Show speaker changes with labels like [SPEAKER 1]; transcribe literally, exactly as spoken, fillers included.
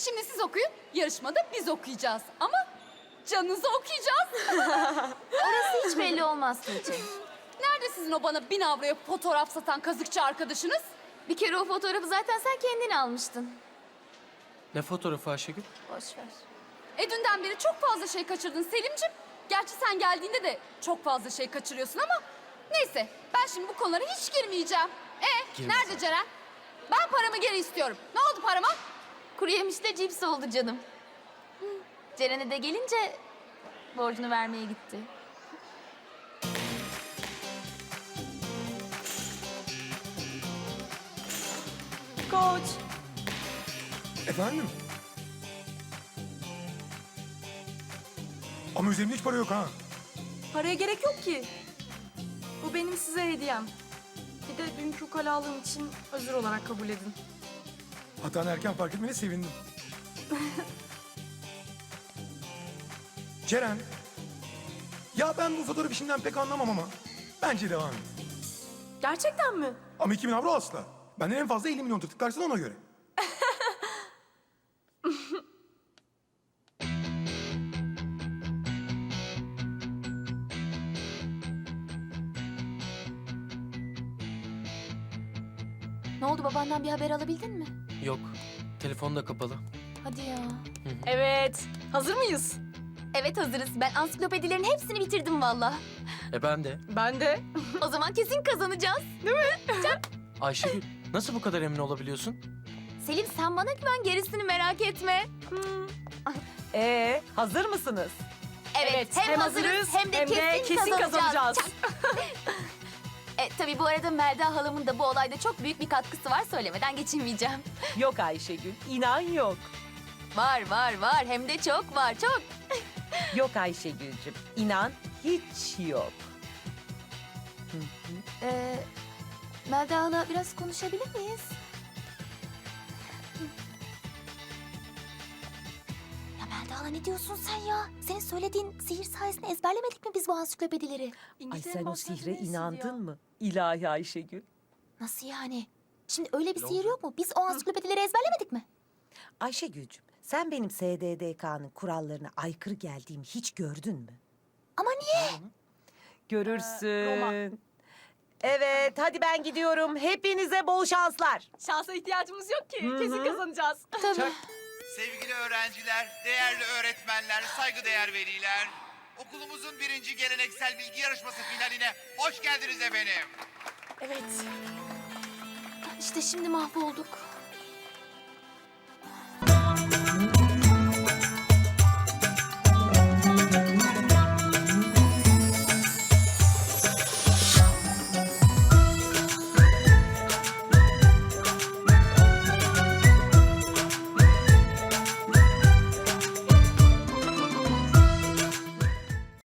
[SPEAKER 1] Şimdi siz okuyun, yarışmada biz okuyacağız. Ama canınızı okuyacağız.
[SPEAKER 2] Orası hiç belli olmaz Tuğçe.
[SPEAKER 1] Nerede sizin o bana bin avroya fotoğraf satan kazıkçı arkadaşınız?
[SPEAKER 2] Bir kere o fotoğrafı zaten sen kendin almıştın.
[SPEAKER 3] Ne fotoğrafı Ayşegül?
[SPEAKER 2] Boş ver.
[SPEAKER 1] E dünden beri çok fazla şey kaçırdın Selim'ciğim. Gerçi sen geldiğinde de çok fazla şey kaçırıyorsun ama... Neyse, ben şimdi bu konulara hiç girmeyeceğim. E
[SPEAKER 3] Girme
[SPEAKER 1] nerede
[SPEAKER 3] sen.
[SPEAKER 1] Ceren? Ben paramı geri istiyorum. Ne oldu parama?
[SPEAKER 2] Kuru yemişle cips oldu canım. Hı. Ceren'e de gelince borcunu vermeye gitti.
[SPEAKER 4] Koç.
[SPEAKER 5] Efendim? Ama üzerimde hiç para yok ha.
[SPEAKER 4] Paraya gerek yok ki. Bu benim size hediyem. Bir de dünkü ukalalığım için özür olarak kabul edin.
[SPEAKER 5] Hatanı erken fark etmene sevindim. Ceren. Ya ben bu fotoğraf işinden pek anlamam ama bence devam et.
[SPEAKER 4] Gerçekten mi?
[SPEAKER 5] Ama iki bin avro asla. Benden en fazla elli milyon tırtıklarsın ona göre.
[SPEAKER 2] Ne oldu, babandan bir haber alabildin mi?
[SPEAKER 3] Yok. Telefon da kapalı.
[SPEAKER 2] Hadi ya.
[SPEAKER 4] Evet. Hazır mıyız?
[SPEAKER 2] Evet, hazırız. Ben ansiklopedilerin hepsini bitirdim valla.
[SPEAKER 3] E ben de.
[SPEAKER 4] Ben de.
[SPEAKER 2] O zaman kesin kazanacağız.
[SPEAKER 3] Ayşegül, nasıl bu kadar emin olabiliyorsun?
[SPEAKER 2] Selim, sen bana güven, gerisini merak etme.
[SPEAKER 6] Ee, hazır mısınız?
[SPEAKER 2] Evet, hem, hazırız hem de kesin, kazanacağız. Çak. E, tabii bu arada Melda halamın da bu olayda çok büyük bir katkısı var, söylemeden geçemeyeceğim.
[SPEAKER 6] Yok Ayşegül, inan yok.
[SPEAKER 2] Var var var, hem de çok var, çok.
[SPEAKER 6] Yok Ayşegül'cüm, inan hiç yok.
[SPEAKER 2] Ee, Melda hala biraz konuşabilir miyiz? Ya Melda hala, ne diyorsun sen ya? Senin söylediğin sihir sayesinde ezberlemedik mi biz bu ansiklopedileri?
[SPEAKER 6] Ay sen o sihre inandın mı? İlahi Ayşegül.
[SPEAKER 2] Nasıl yani? Şimdi öyle bir sihir yok mu? Biz o ansiklopedileri ezberlemedik mi?
[SPEAKER 6] Ayşegül'cüm, sen benim S D D K'nın kurallarına aykırı geldiğimi hiç gördün mü?
[SPEAKER 2] Ama niye?
[SPEAKER 6] Görürsün. Evet, hadi ben gidiyorum. Hepinize bol şanslar.
[SPEAKER 4] Şansa ihtiyacımız yok ki. Kesin kazanacağız.
[SPEAKER 2] Tabii.
[SPEAKER 7] Sevgili öğrenciler, değerli öğretmenler, saygıdeğer veliler, okulumuzun birinci geleneksel bilgi yarışması finaline hoş geldiniz efendim.
[SPEAKER 4] Evet.
[SPEAKER 2] İşte şimdi mahvolduk.